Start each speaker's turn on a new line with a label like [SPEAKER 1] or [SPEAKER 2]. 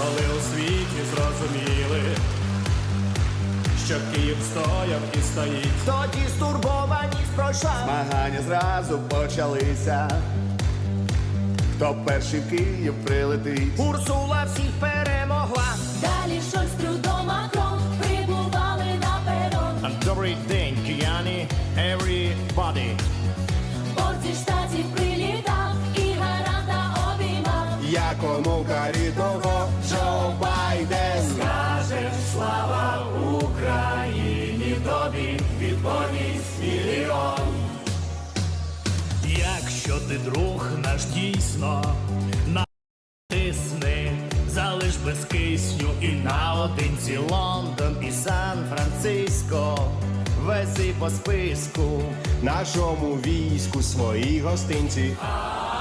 [SPEAKER 1] коли у світі зрозуміли, що Київ стояв і стоїть.
[SPEAKER 2] Тоді стурбованість пройшла,
[SPEAKER 3] Змагання зразу почалися. Хто перший в Київ прилетить?
[SPEAKER 2] Урсула всіх перемогла.
[SPEAKER 4] Далі Шольц, Трюдо, Макрон прибували на перон.
[SPEAKER 1] Добрий день, кияни, everybody.
[SPEAKER 4] Борт зі штатів прилітав і гаранта обіймав.
[SPEAKER 3] Як онука рідного Джо Байден.
[SPEAKER 1] Скажеш слава Україні, тобі відповість мільйон. Якщо ти друг наш дійсно, натисни, залиш без кисню і наодинці
[SPEAKER 3] Лондон і Сан-Франциско, вези по списку. Нашому війську свої гостинці.